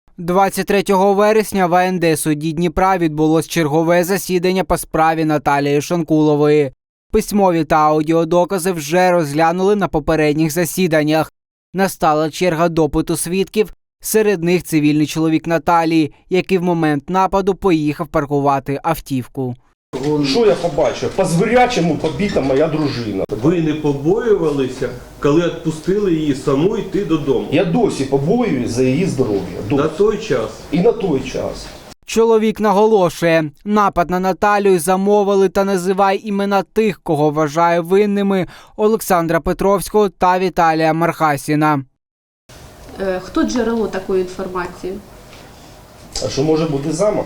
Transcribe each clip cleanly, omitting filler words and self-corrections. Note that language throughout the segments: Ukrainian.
23 вересня в АНД судді Дніпра відбулось чергове засідання по справі Наталії Шонкулової. Письмові та аудіодокази вже розглянули на попередніх засіданнях. Настала черга допиту свідків, серед них цивільний чоловік Наталії, який в момент нападу поїхав паркувати автівку. Що я побачив? По-звірячому побита моя дружина. Ви не побоювалися, коли відпустили її саму йти додому? Я досі побоююсь за її здоров'я. На той час? І на той час. Чоловік наголошує, напад на Наталію замовили та називає імена тих, кого вважає винними Олександра Петровського та Віталія Мархасіна. Хто джерело такої інформації? А що може бути замах?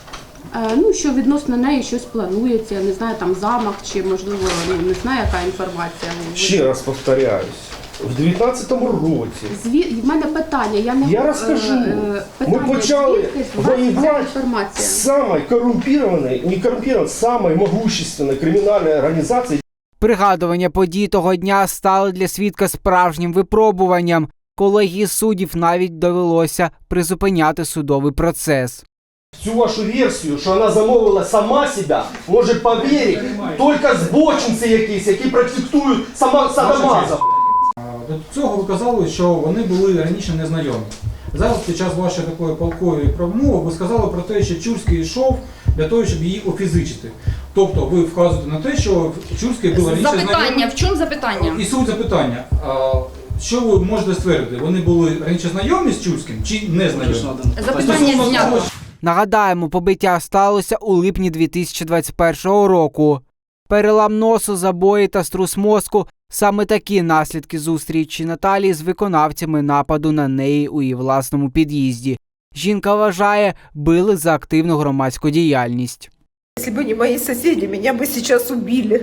Що відносно неї щось планується, не знаю, там замах чи, можливо, не знаю, яка інформація. Ще раз повторяюсь, в 19-му році. В мене питання, я розкажу. Ми почали воювати з самою корумпірованою, не корумпірованою, самою могущественною кримінальною організацією. Пригадування подій того дня стали для свідка справжнім випробуванням. Колегії суддів навіть довелося призупиняти судовий процес. Всю вашу версію, що вона замовила сама себе, може повірити тільки збочинці якісь, які практикують садомазов. До цього ви казали, що вони були раніше незнайомі. Зараз під час вашої такої палкої промови ви сказали про те, що Чурський йшов для того, щоб її офізичити. Тобто ви вказуєте на те, що Чурський був раніше знайомий. Запитання, в чому запитання? І суть запитання. Що ви можете ствердити? Вони були раніше знайомі з Чурським чи не знайомі? Запитання знято. Нагадаємо, побиття сталося у липні 2021 року. Перелам носу, забої та струс мозку – саме такі наслідки зустрічі Наталії з виконавцями нападу на неї у її власному під'їзді. Жінка вважає, били за активну громадську діяльність. Якщо б не мої сусіди, мене б зараз убили.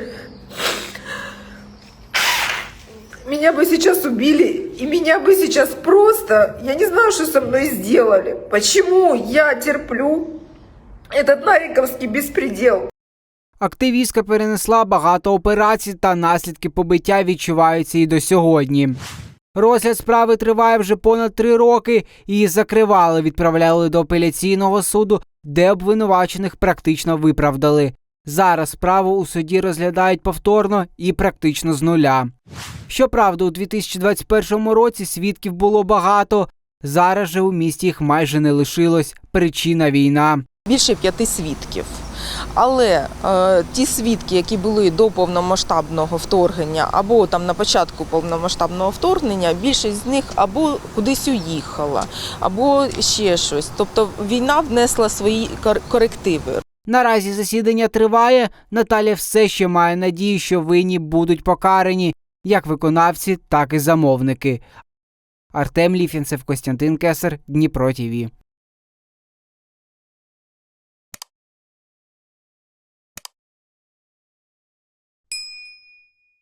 Меня бы сейчас убили, и меня бы сейчас просто, я не знаю, что со мной сделали. Почему я терплю этот нариковский беспредел? Активістка перенесла багато операцій та наслідки побиття відчуваються і до сьогодні. Розгляд справи триває вже понад 3 роки, її закривали, відправляли до апеляційного суду, де обвинувачених практично виправдали. Зараз справу у суді розглядають повторно і практично з нуля. Щоправда, у 2021 році свідків було багато. Зараз же у місті їх майже не лишилось. Причина – війна. Більше 5 свідків. Але ті свідки, які були до повномасштабного вторгнення або там на початку повномасштабного вторгнення, більшість з них або кудись уїхала, або ще щось. Тобто війна внесла свої корективи. Наразі засідання триває. Наталя все ще має надію, що винні будуть покарані, як виконавці, так і замовники. Артем Ліфінцев, Костянтин Кесар, Дніпро ТВ.